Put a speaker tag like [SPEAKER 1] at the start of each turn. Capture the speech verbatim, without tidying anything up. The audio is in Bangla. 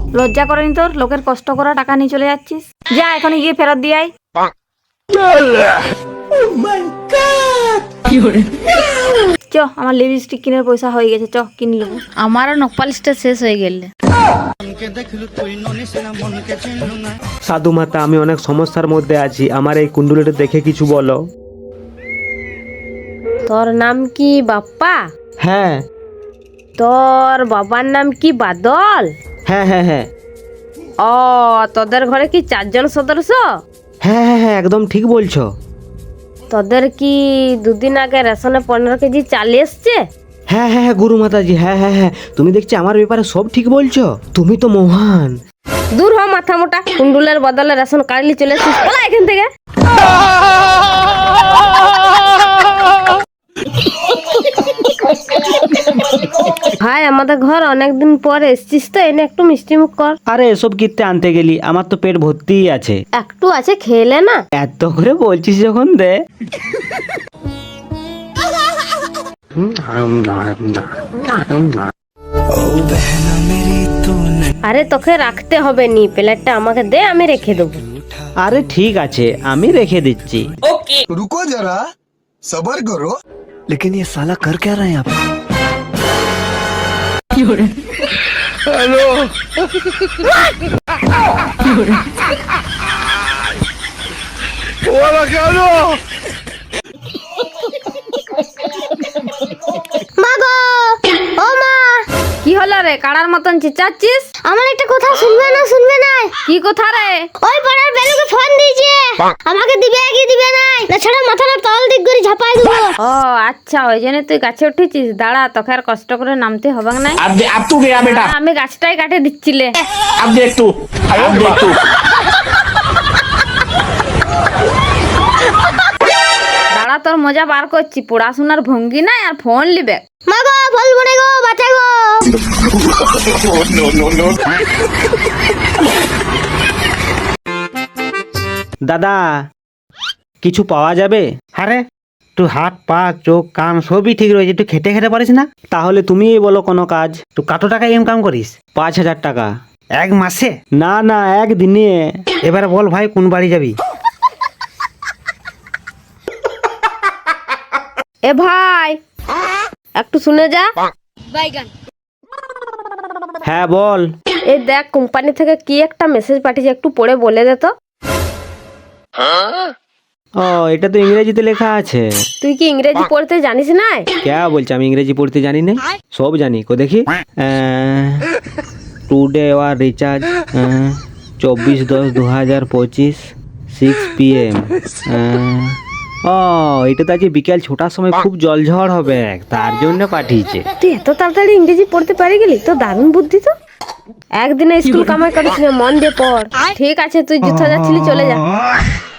[SPEAKER 1] লজ্জা করেনি তোর? লোকের কষ্ট করা টাকা নিয়ে চলে যাচ্ছিস। যা এখনই গিয়ে ফেরত দিয়ে আয়। চ, আমার লিপস্টিক কিনার পয়সা হয়ে গেছে, চ কিনে নেবো।
[SPEAKER 2] আমারও নকপালিশটা শেষ হয়ে গেলে।
[SPEAKER 3] সাধু মাতা, আমি অনেক সমস্যার মধ্যে আছি, আমার এই কুণ্ডুলিটা দেখে কিছু বলো।
[SPEAKER 4] তোর নাম কি বাপ্পা?
[SPEAKER 3] হ্যাঁ
[SPEAKER 4] তোর বাবার নাম কি বাদল?
[SPEAKER 3] হ্যাঁ হ্যাঁ হ্যাঁ
[SPEAKER 4] ও, তোদের ঘরে কি চারজন সদস্য?
[SPEAKER 3] হ্যাঁ হ্যাঁ হ্যাঁ একদম ঠিক বলছো।
[SPEAKER 4] তোদের কি দুদিন আগে রেশনে পনেরো কেজি চাল এসছে?
[SPEAKER 3] হ্যাঁ হ্যাঁ হ্যাঁ গুরু মাতাজি, হ্যাঁ হ্যাঁ হ্যাঁ তুমি দেখছি আমার ব্যাপারে সব ঠিক বলছো, তুমি তো মহান।
[SPEAKER 4] দূর হ মাথা মোটা, কুন্ডুলের বদলে রেশন কার্ডলি চলে এসছিস, বলা এখান থেকে। ভাই, আমাদের ঘর অনেকদিন পর এসছিস তো, এনে একটু মিষ্টি মুখ কর।
[SPEAKER 3] আরে এসব কিনতে আনতে গেলি, আমার তো পেট ভর্তিই আছে।
[SPEAKER 4] একটু আছে, খেলে না।
[SPEAKER 3] এত করে বলছিস যখন দে।
[SPEAKER 4] আরে তোকে রাখতে হবে নি, প্লেটটা আমাকে দে, আমি রেখে দেবো।
[SPEAKER 3] আরে ঠিক আছে, আমি রেখে দিচ্ছি।
[SPEAKER 5] रुको जरा सबर करो।
[SPEAKER 3] लेकिन ये साला कर क्या रहा है यहाँ पे?
[SPEAKER 6] মা গো, ও মা,
[SPEAKER 1] কি হলো রে, কাড়ার মতন চিচাচ্ছিস?
[SPEAKER 6] আমার একটা কথা শুনবে না শুনবে না?
[SPEAKER 1] কি কথা রে?
[SPEAKER 6] ওই পাড়ার বেলুকে ফোন দিয়েছে, আমাকে দিবে কি দিবে নাই, না ছাড়া মাথাটা তল দিক করে ঝাপাই দেবো।
[SPEAKER 1] ও আচ্ছা, ওই জন্য তুই গাছে উঠেছিস। দাঁড়া, তোকে আর কষ্ট করে নামতে হবে না।
[SPEAKER 7] अब दे, अब तू गया बेटा।
[SPEAKER 1] আমি গাছটাই কাটে দিচ্ছিলে।
[SPEAKER 7] अब देख तू, अब देख तू।
[SPEAKER 1] দাঁড়া, তোর মজা বার করছি। পড়াশোনার ভঙ্গি নাই আর ফোন লিবে।
[SPEAKER 6] মা গো, বলবো না গো, বাঁচা গো।
[SPEAKER 3] দাদা, কিছু পাওয়া যাবে? আরে তুই হাত পা চোখ কান সবই ঠিক রয়েছে, তুই খেটে খেতে পারিস না? তাহলে তুমিই বলো কোনো কাজ। তুই কত টাকা ইনকাম করিস? পাঁচ হাজার টাকা। এক মাসে? না না, এক দিনে। এবারে বল ভাই, কোন বাড়ি যাবি?
[SPEAKER 4] এ ভাই, একটু শুনে যা।
[SPEAKER 3] হ্যাঁ বল।
[SPEAKER 4] এই দেখ, কোম্পানি থেকে কি একটা মেসেজ পাঠিয়েছে, একটু পড়ে বলে দে তো।
[SPEAKER 3] ও, এটা তো ইংরেজিতে লেখা আছে।
[SPEAKER 4] তুই কি ইংরেজি পড়তে জানিস না?
[SPEAKER 3] क्या বলছে? আমি ইংরেজি পড়তে জানি না, সব জানি। কো দেখি, টুডে ওয়ার রিচার্জ চব্বিশ দশ দু হাজার পঁচিশ সিক্স পি এম। ও, এটা তো আজকে বিকেল ছটার সময় খুব জলঝড় হবে, তার জন্য পাঠিয়েছে।
[SPEAKER 4] তুই এত তাড়াতাড়ি ইংরেজি পড়তে পারি গেলি, তো দারুণ বুদ্ধি তো। একদিনে স্কুল কামাই করিস না, মন দিয়ে পড়। ঠিক আছে, তুই যুদ্ধ যাচ্ছিলি, চলে যা।